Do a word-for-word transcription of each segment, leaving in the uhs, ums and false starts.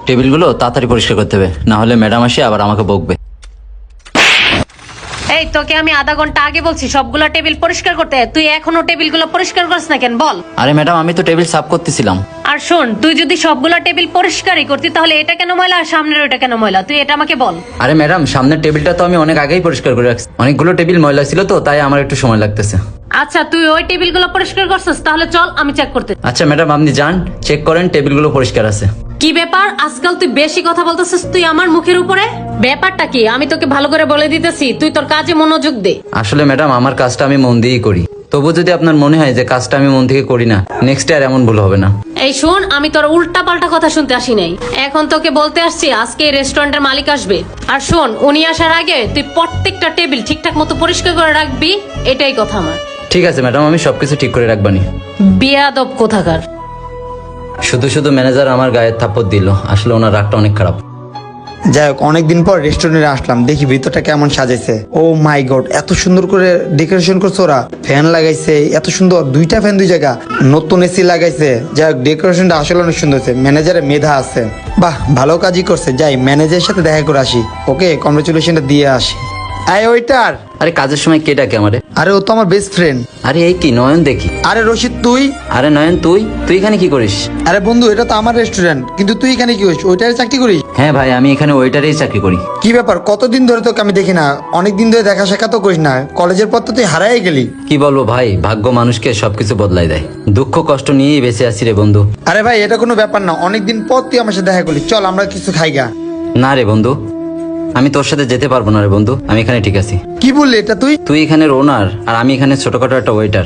টেবিলগুলো তাড়াতাড়ি পরিষ্কার করতে হবে, না হলে ম্যাডাম আসে আবার আমাকে বকবে। এই তোকে আমি আধা ঘন্টা আগে বলছি সবগুলা টেবিল পরিষ্কার করতে, তুই এখনো টেবিলগুলো পরিষ্কার করছ না কেন বল? আরে ম্যাডাম আমি তো টেবিল সাফ করতেছিলাম। আর শোন, তুই যদি সবগুলা টেবিল পরিষ্কারই করতি তাহলে এটা কেন ময়লা আর সামনের ওটা কেন ময়লা, তুই এটা আমাকে বল। আরে ম্যাডাম সামনের টেবিলটা তো আমি অনেক আগেই পরিষ্কার করে রাখছি, অনেকগুলো টেবিল ময়লা ছিল তো তাই আমার একটু সময় লাগতেছে। আচ্ছা তুই ওই টেবিলগুলো পরিষ্কার করছিস, তাহলে চল আমি চেক করতে। আচ্ছা ম্যাডাম আপনি যান, চেক করেন টেবিলগুলো পরিষ্কার আছে। কি ব্যাপার আজকাল তুই বেশি কথা বলতেছিস তুই আমার মুখের উপরে? ব্যাপারটা কি আমি তোকে ভালো করে বলে দিতেছি, তুই তোর কাজে মনোযোগ দে। আসলে ম্যাডাম আমার কাজটা আমি মন দিয়েই করি, তবু যদি আপনার মনে হয় যে কাজটা আমি মন থেকে করি না, নেক্সট আর এমন ভুল হবে না। এই শোন, আমি তোর উল্টা পাল্টা কথা শুনতে আসি নাই, এখন তোকে বলতে আসছি আজকে এই রেস্টুরেন্টের মালিক আসবে। আর শোন, উনি আসার আগে তুই প্রত্যেকটা টেবিল ঠিকঠাক মতো পরিষ্কার করে রাখবি, এটাই কথা আমার। ঠিক আছে ম্যাডাম, আমি সবকিছু ঠিক করে রাখবানি। বিয়াদব কোথাকার। শুধু শুধু ম্যানেজার আমার গায়ে থাপ্পড় দিল, আসলে ওনার রাগটা অনেক খারাপ। যাই হোক, অনেকদিন পর রেস্টুরেন্টে আসলাম, দেখি ভিতরটা কেমন সাজাইছে। ও মাই গড, এত সুন্দর করে ডেকোরেশন করছে ওরা, ফ্যান লাগাইছে এত সুন্দর, দুইটা ফ্যান দুই জায়গা, নতুন এসি লাগাইছে। যাই হোক, ডেকোরেশনটা আসলে অনেক সুন্দর হয়েছে, ম্যানেজারের মেধা আছে, বাহ ভালো কাজই করছে। যাই ম্যানেজারের সাথে দেখা করে আসি, ওকে কংগ্রেচুলেশনটা দিয়ে আসি। আয় ওইটার। আরে কাজের সময় কে ডাকে আমারে? আরে ও তো আমার বেস্ট ফ্রেন্ড। আরে এই কি নয়ন দেখি। আরে রশিদ তুই? আরে নয়ন তুই তুই এখানে কি করিস? আরে বন্ধু, এটা তো আমার রেস্টুরেন্ট, কিন্তু তুই এখানে কি করিস? ওইটারে চাকরি করিস? হ্যাঁ ভাই, আমি এখানে ওয়েটারেই চাকরি করি। কি ব্যাপার, কতদিন ধরে তোকে আমি দেখি না, অনেক দিন ধরে দেখা সাক্ষাৎ করিস না, কলেজের পর তো তুই হারাই গেলি। কি বলবো ভাই, ভাগ্য মানুষকে সবকিছু বদলাই দেয়, দুঃখ কষ্ট নিয়েই বেঁচে আছি রে বন্ধু। আরে ভাই, এটা কোনো ব্যাপার না, অনেকদিন পর তুই আমার সাথে দেখা করলি, চল আমরা কিছু খাই গা। না রে বন্ধু, আমি তোর সাথে যেতে পারবো না রে বন্ধু, আমি এখানে ঠিক আছি। কি বললি এটা তুই? তুই এখানের ওনার আর আমি এখানে ছোটখাটো একটা ওয়েটার।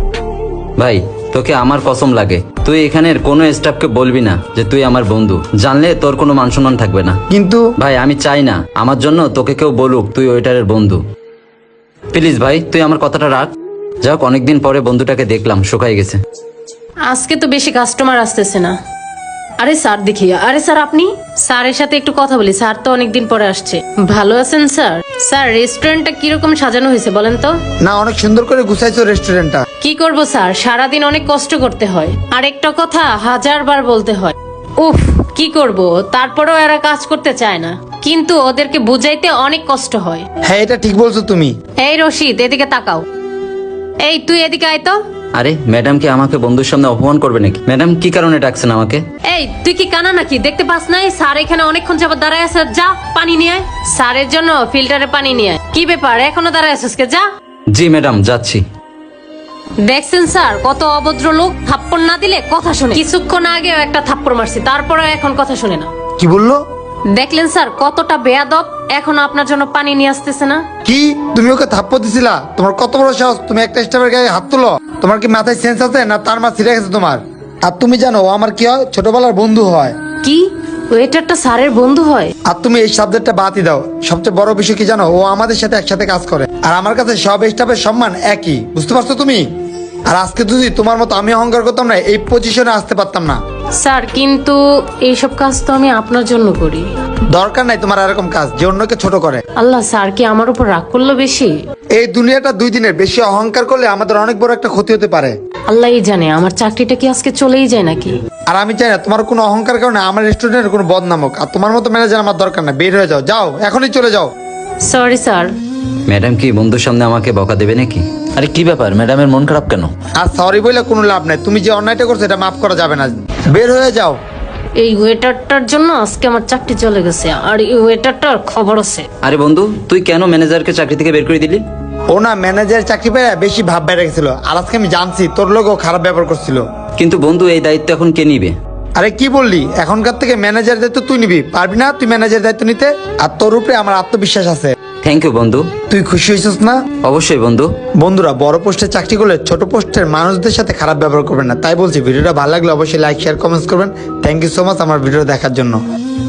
ভাই তোকে আমার কসম লাগে, তুই এখানের কোনো স্টাফকে বলবি না যে তুই আমার বন্ধু, জানলে তোর কোনো মান সম্মান থাকবে না। কিন্তু ভাই আমি চাই না আমার জন্য তোকে কেউ বলুক তুই ওয়েটারের বন্ধু। প্লিজ ভাই তুই আমার কথাটা রাখ। যাক, অনেকদিন পরে বন্ধুটাকে দেখলাম, শুকাই গেছে। আজকে তো বেশি কাস্টমার আসতেছে না। আরে স্যার দেখি, আরে স্যার আপনি? স্যারের সাথে একটু কথা বলি, স্যার তো অনেকদিন পরে আসছে। ভালো আছেন স্যার? স্যার রেস্টুরেন্টটা কিরকম সাজানো হয়েছে বলেন তো? না, অনেক সুন্দর করে গুছাইছো রেস্টুরেন্টটা। কি করব স্যার, সারাদিন অনেক কষ্ট করতে হয়, আর একটা কথা হাজার বার বলতে হয়। উফ, কি করব, তারপরেও এরা কাজ করতে চায় না, কিন্তু ওদেরকে বুঝাইতে অনেক কষ্ট হয়। হ্যাঁ, এটা ঠিক বলছো তুমি। এই রশিদ, এদিকে তাকাও। এই তুই এদিকে আয় তো। আরে ম্যাডাম কি আমাকে বন্ধুর সামনে অপমান করবে নাকি? ম্যাডাম কি কারণে ডাকছেন আমাকে? এই তুই কি কানা নাকি, দেখতে পাস নাই স্যার এখানে অনেকক্ষণ যাবত দাঁড়ায় আছে? যা পানি নিয়ে আয়, স্যারের জন্য ফিল্টারে পানি নিয়ে আয়। কি ব্যাপার এখনো দাঁড়ায় আছিস কে? যা। জি ম্যাডাম, যাচ্ছি। দেখছেন স্যার কত অভদ্র লোক, থাপ্পড় না দিলে কথা শুনে। কিছুক্ষণ আগেও একটা থাপ্পড় মারছি, তারপরেও এখন কথা শুনে না। কি বললো? দেখলেন স্যার কতটা বেয়াদব, এখনো আপনার জন্য পানি নিয়ে আসতেছে না। কি তুমি ওকে থাপ্পড় দিছিলা? তোমার কত বড় সাহস, তুমি একটা স্টাফের গায়ে হাত তুলো? তোমার কি মাথায় সেন্স আছে না তার মা ছিঁড়ে গেছে তোমার? আর তুমি জানো ও আমার কি হয়? ছোটবেলার বন্ধু হয়। কি ওয়েটারটা স্যারের বন্ধু হয়? আর তুমি এই সাবজেক্টটা বাদই দাও, সবচেয়ে বড় বিষয় কি জানো? ও আমাদের সাথে একসাথে কাজ করে, আর আমার কাছে সব স্টাফের সম্মান একই, বুঝতে পারছো তুমি? আর আজকে যদি তোমার মতো আমি অহংকার করতাম না, এই পজিশনে আসতে পারতাম না। স্যার কিন্তু এইসব কাজ তো আমি আপনার জন্য করি। দরকার নাই তোমার এরকম কাজ যে অন্যকে ছোট করে। আল্লাহ, স্যার কি আমার উপর রাগ করলো বেশি? এই দুনিয়াটা দুই দিনের, বেশি অহংকার করলে আমাদের অনেক বড় একটা ক্ষতি হতে পারে। আল্লাহই জানে আমার চাকরিটা কি আজকে চলেই যায় নাকি। আর আমি চাই না তোমার কোনো অহংকার কারণে আমার রেস্টুরেন্টের কোনো বদনাম হোক। আর তোমার মতো ম্যানেজার আমার দরকার না, বের হয়ে যাও, যাও এখনই চলে যাও। Sorry sir. ম্যাডাম কি বন্ধুর সামনে আমাকে বকা দেবে নাকি? আরে কি ব্যাপার, ম্যাডামের মন খারাপ কেন? আর সরি বলে কোনো লাভ নাই, তুমি যে অন্যায়টা করছো এটা মাফ করা যাবে না, বের হয়ে যাও। এই ওয়েটারটার জন্য আজকে আমার চাকরি চলে গেছে, আর এই ওয়েটারটার খবর আছে। আরে বন্ধু, তুই কেন ম্যানেজারকে চাকরি থেকে বের করে দিলি? ও না, ম্যানেজার চাকরি পেয়ে বেশি ভাব বেড়ে গেছিল, আর আজকে আমি জানছি তোর লোক ও খারাপ ব্যবহার করছিল। কিন্তু বন্ধু এই দায়িত্ব এখন কে নিবে? আরে কি বললি, এখনকার থেকে ম্যানেজার দায়িত্ব তুই নিবি, পারবি না তুই ম্যানেজার দায়িত্ব নিতে? আর তোর উপরে আমার আত্মবিশ্বাস আছে। থ্যাংক ইউ বন্ধু। তুই খুশি হয়েছিস না? অবশ্যই বন্ধু। বন্ধুরা, বড় পোস্টে চাকরি করলে ছোট পোস্টের মানুষদের সাথে খারাপ ব্যবহার করবেন না, তাই বলছি। ভিডিওটা ভালো লাগলে অবশ্যই লাইক শেয়ার কমেন্টস করবেন। থ্যাংক ইউ সো মাচ আমার ভিডিও দেখার জন্য।